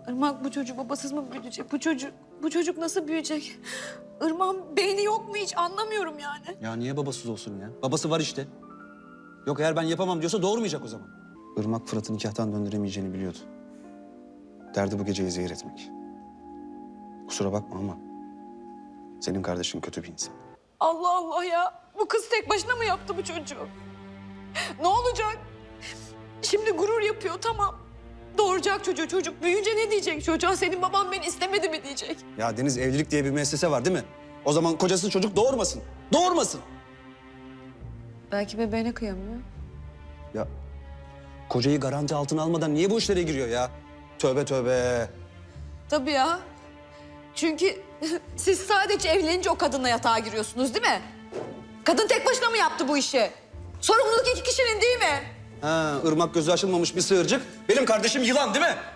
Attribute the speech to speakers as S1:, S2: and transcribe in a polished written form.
S1: Irmak bu çocuğu babasız mı büyütecek? Bu çocuk nasıl büyüyecek? Irmak'ın beyni yok mu hiç anlamıyorum yani.
S2: Ya niye babasız olsun ya? Babası var işte. Yok eğer ben yapamam diyorsa doğurmayacak o zaman. Irmak Fırat'ı nikahtan döndüremeyeceğini biliyordu. Derdi bu geceyi zehir etmek. Kusura bakma ama senin kardeşin kötü bir insan.
S1: Allah Allah ya. Bu kız tek başına mı yaptı bu çocuğu? Ne olacak? Şimdi gurur yapıyor tamam. Doğuracak çocuğu. Çocuk büyüyünce ne diyecek çocuğa? Senin baban beni istemedi mi diyecek?
S2: Ya Deniz, evlilik diye bir müessese var değil mi? O zaman kocası çocuk doğurmasın. Doğurmasın.
S1: Belki bebeğine kıyamıyor.
S2: Ya kocayı garanti altına almadan niye bu işlere giriyor ya? Tövbe tövbe.
S1: Tabii ya. Çünkü siz sadece evlenince o kadınla yatağa giriyorsunuz değil mi? Kadın tek başına mı yaptı bu işi? Sorumluluk iki kişinin değil mi?
S2: Ha, Irmak gözü açılmamış bir sığırcık. Benim kardeşim yılan değil mi?